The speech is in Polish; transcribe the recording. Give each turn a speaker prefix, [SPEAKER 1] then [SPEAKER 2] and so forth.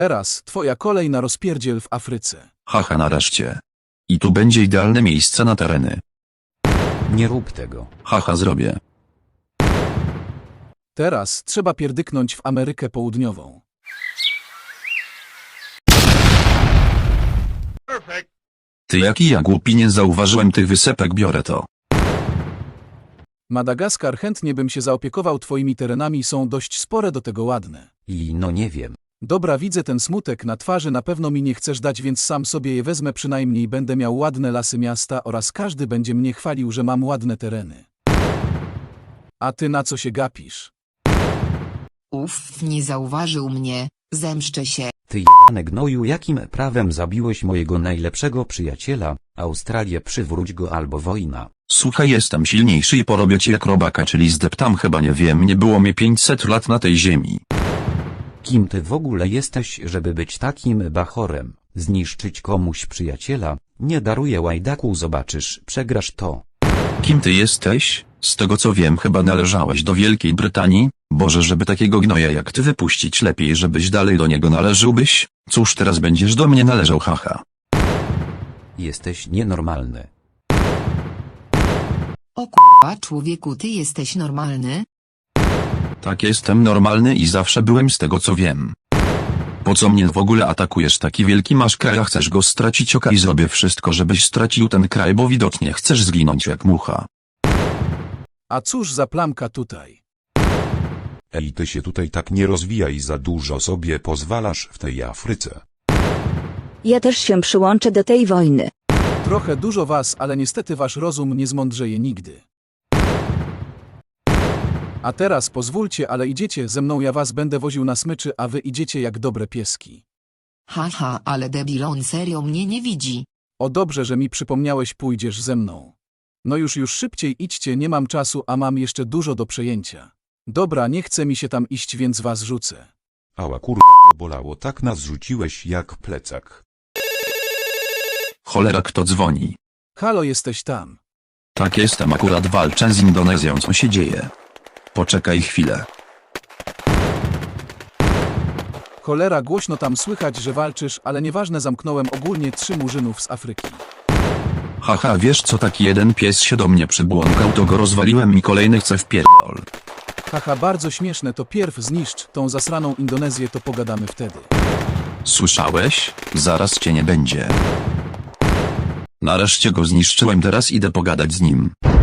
[SPEAKER 1] Teraz twoja kolej na rozpierdziel w Afryce.
[SPEAKER 2] Haha, nareszcie. I tu będzie idealne miejsce na tereny.
[SPEAKER 3] Nie rób tego.
[SPEAKER 2] Haha, zrobię.
[SPEAKER 1] Teraz trzeba pierdyknąć w Amerykę Południową.
[SPEAKER 2] Ty jaki ja głupi, nie zauważyłem tych wysepek, biorę to.
[SPEAKER 1] Madagaskar, chętnie bym się zaopiekował twoimi terenami, są dość spore, do tego ładne.
[SPEAKER 3] I no nie wiem.
[SPEAKER 1] Dobra, widzę ten smutek na twarzy, na pewno mi nie chcesz dać, więc sam sobie je wezmę, przynajmniej będę miał ładne lasy miasta oraz każdy będzie mnie chwalił, że mam ładne tereny. A ty na co się gapisz?
[SPEAKER 4] Uff, nie zauważył mnie, zemszczę się.
[SPEAKER 3] Ty jebane gnoju, jakim prawem zabiłeś mojego najlepszego przyjaciela? Australię, przywróć go albo wojna.
[SPEAKER 2] Słuchaj, jestem silniejszy i porobię cię jak robaka, czyli zdeptam, chyba nie wiem, nie było mnie 500 lat na tej ziemi.
[SPEAKER 3] Kim ty w ogóle jesteś, żeby być takim bachorem? Zniszczyć komuś przyjaciela? Nie daruję, łajdaku, zobaczysz, przegrasz to.
[SPEAKER 2] Kim ty jesteś? Z tego co wiem, chyba należałeś do Wielkiej Brytanii? Boże, żeby takiego gnoja jak ty wypuścić, lepiej żebyś dalej do niego należałbyś? Cóż, teraz będziesz do mnie należał, haha.
[SPEAKER 3] Jesteś nienormalny.
[SPEAKER 4] O kurwa, człowieku, ty jesteś normalny?
[SPEAKER 2] Tak, jestem normalny i zawsze byłem, z tego co wiem. Po co mnie w ogóle atakujesz? Taki wielki masz kraj, a chcesz go stracić? Okej, zrobię wszystko, żebyś stracił ten kraj, bo widocznie chcesz zginąć jak mucha.
[SPEAKER 1] A cóż za plamka tutaj?
[SPEAKER 5] Ej, ty się tutaj tak nie rozwijaj, za dużo sobie pozwalasz w tej Afryce.
[SPEAKER 6] Ja też się przyłączę do tej wojny.
[SPEAKER 1] Trochę dużo was, ale niestety wasz rozum nie zmądrzeje nigdy. A teraz pozwólcie, ale idziecie ze mną, ja was będę woził na smyczy, a wy idziecie jak dobre pieski.
[SPEAKER 4] Haha, ale debil, on serio mnie nie widzi.
[SPEAKER 1] O, dobrze, że mi przypomniałeś, pójdziesz ze mną. No już szybciej idźcie, nie mam czasu, a mam jeszcze dużo do przejęcia. Dobra, nie chce mi się tam iść, więc was rzucę.
[SPEAKER 5] Ała kurwa, to bolało, tak nas rzuciłeś jak plecak.
[SPEAKER 2] Cholera, kto dzwoni?
[SPEAKER 1] Halo, jesteś tam.
[SPEAKER 2] Tak, jestem, akurat walczę z Indonezją, co się dzieje? Poczekaj chwilę.
[SPEAKER 1] Cholera, głośno tam słychać, że walczysz, ale nieważne, zamknąłem ogólnie 3 murzynów z Afryki.
[SPEAKER 2] Haha, wiesz co, taki jeden pies się do mnie przybłąkał, to go rozwaliłem i kolejny chce wpierdol.
[SPEAKER 1] Haha, bardzo śmieszne, to pierw zniszcz tą zasraną Indonezję, to pogadamy wtedy.
[SPEAKER 2] Słyszałeś? Zaraz cię nie będzie. Nareszcie go zniszczyłem, teraz idę pogadać z nim.